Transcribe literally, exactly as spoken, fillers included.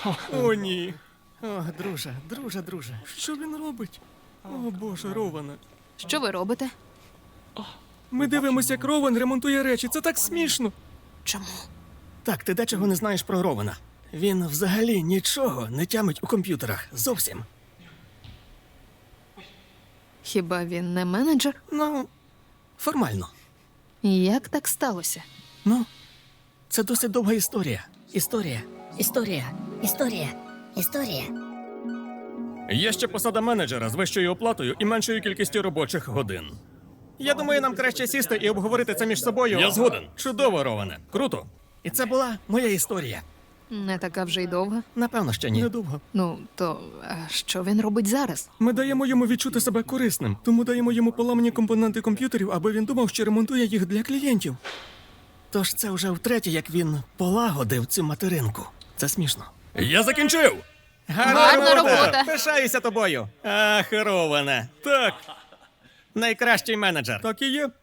О, ні. О, друже, друже, друже. Що він робить? О, Боже, Роване. Що ви робите? Ми дивимося, як Рован ремонтує речі. Це так смішно. Чому? Так, ти дечого не знаєш про Рована. Він взагалі нічого не тямить у комп'ютерах. Зовсім. Хіба він не менеджер? Ну, формально. Як так сталося? Ну, це досить довга історія. Історія. Історія, історія, історія. Є ще посада менеджера з вищою оплатою і меншою кількістю робочих годин. Я думаю, нам краще сісти і обговорити це між собою. Я згоден. Чудово, Роване. Круто. І це була моя історія. Не така вже й довга. Напевно, ще ні. Недовго. Ну, то а що він робить зараз? Ми даємо йому відчути себе корисним, тому даємо йому поламані компоненти комп'ютерів, аби він думав, що ремонтує їх для клієнтів. Тож це вже втретє, як він полагодив цю материнку. Це смішно. Я закінчив! Гарна робота. Пишаюся тобою! Ах, Роване. Так, Найкращий менеджер. Так і є.